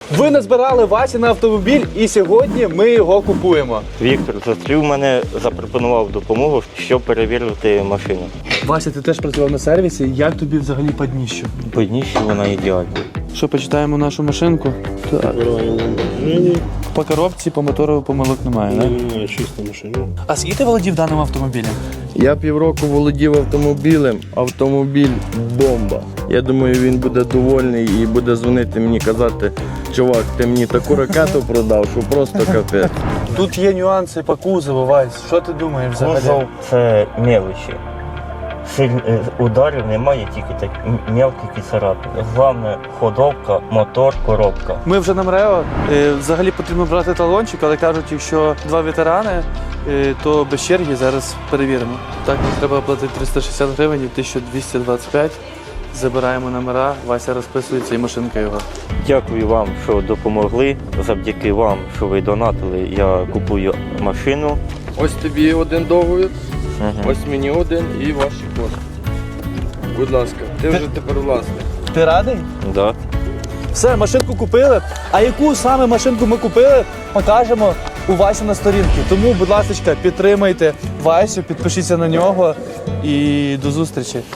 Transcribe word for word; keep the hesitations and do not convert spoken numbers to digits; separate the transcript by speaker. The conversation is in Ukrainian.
Speaker 1: Ви назбирали Васі на автомобіль і сьогодні ми його купуємо.
Speaker 2: Віктор зустрів мене, запропонував допомогу, щоб перевірити машину.
Speaker 1: Вася, ти теж працював на сервісі. Як тобі взагалі по дніщу?
Speaker 2: По дніщу вона ідеальна.
Speaker 1: Що, почитаємо нашу машинку? Так. По коробці, по мотору помилок немає, так?
Speaker 3: Немає, чиста машина.
Speaker 1: А скільки ти володів даним автомобілем?
Speaker 4: Я півроку володів автомобілем, автомобіль бомба. Я думаю, він буде довольний і буде дзвонити мені казати, чувак, ти мені таку ракету продав, що просто капець.
Speaker 1: Тут є нюанси по кузову, Вась. Що ти думаєш взагалі?
Speaker 2: Кузов – це мелочі. Силь... Ударів немає, тільки так мелкі царапини. Головне – ходовка, мотор, коробка.
Speaker 1: Ми вже на МРЕО. Е, Взагалі потрібно брати талончик, але кажуть, якщо два ветерани, е, то без черги зараз перевіримо. Так, нам треба платити триста шістдесят гривень, тисяча двісті двадцять п'ять. Забираємо номера, Вася розписується і машинка його.
Speaker 2: Дякую вам, що допомогли. Завдяки вам, що ви донатили, я купую машину.
Speaker 4: Ось тобі один договір,
Speaker 2: Угу.
Speaker 4: ось мені один і ваші кошти. Будь ласка, ти вже тепер власник.
Speaker 1: Ти радий?
Speaker 2: Да.
Speaker 1: Все, машинку купили. А яку саме машинку ми купили, покажемо у Васі на сторінці. Тому, будь ласка, підтримайте Васю, підпишіться на нього і до зустрічі.